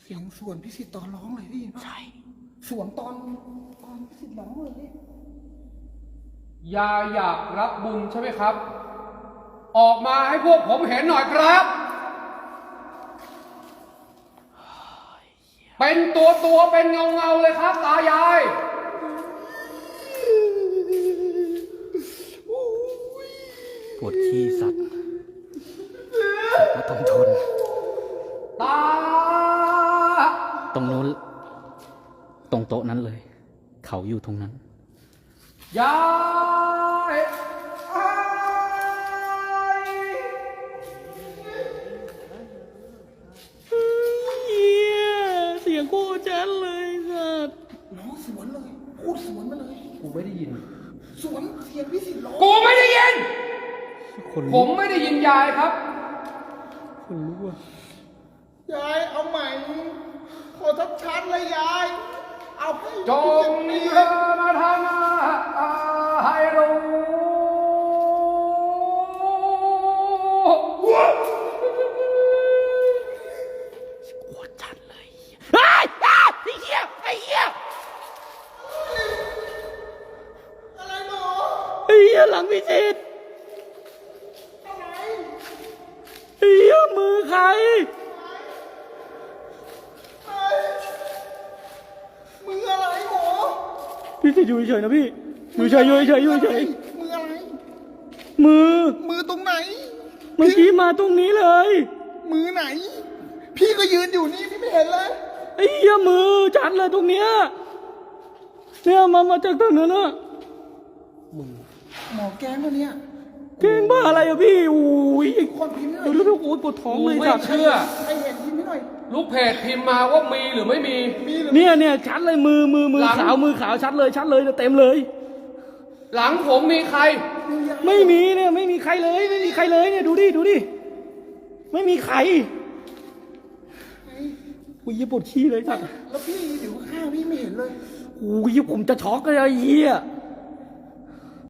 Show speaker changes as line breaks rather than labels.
เสียงส่วนพิสิทธิ์ตอนร้องเลยพี่ใช่ส่วนตอนพิสิทธิ์ร้องเลยพี่
ยาอยากรับบุญใช่ไหมครับ ออกมาให้พวกผมเห็นหน่อยครับ เป็นตัวเป็นเงาเลยครับตายาย
ปวดขี้สัตว์ก็ต้องทน
ตา
ตรงนู้นตรงโต๊ะนั้นเลย เขาอยู่ตรงนั้น
ยาย
เสียงโคตรชัดเลยสัตว์
ร้องสวนเลยพูดสวนมาเลย
กูไม่ได้ยิน
สวนเสียงพิสิทธิ์ร้อง
กูไม่ได้ยินผมไม่ได้ยินยายครับ
คนรู้ว่
ยายเอาใหม่ขอชัดๆเลยยายเอาให้
จงเธอมาทำให้รู้
โคตรชัดเลยไอ้เหี้ย
อะไรหมอ
ไอ้เหี้ยหลังพิจิตร
อะไร
ไอ้เหี้ยมือใคร
มืออะไรหมอ
พี่จะอยู่เฉยๆนะพี่อยู่เฉยมืออะไรมือ
ตรงไหน
เมื่อกี้มาตรงนี้เลย
มือไหนพี่ก็ยืนอยู่นี่พี่ไม่เห็นเลย
ไอ้เหี้ยมือชัดเลยตรงเนี้ยเนี่ยมาจากตรงนั้นอะ
หมอแกงวะเนี่ย
เก่งบ้าอะไรอะพี่อุ้ย
คนพิมพ์หน่อย
ดูแล้วโอ้ยปวดท้องเลย
ไม่เชื่อ
ใครเห็นพิมพ์หน่อย
ลูกเพจพิมพ์มาว่ามีหรือไม่มี
เนี่ยชัดเลยมือขาวชัดเลยเต็มเลย
หลังผมมีใคร
ไม่มีเนี่ยไม่มีใครเลยเนี่ยดูดิไม่มีใครอุ้ยปวดขี้เลยสัตว์
แล้วพี่อยู่ข้างพี่ไม่เห็นเลย
อุ้ยผมจะช็อกเลยไอ้เหี้ย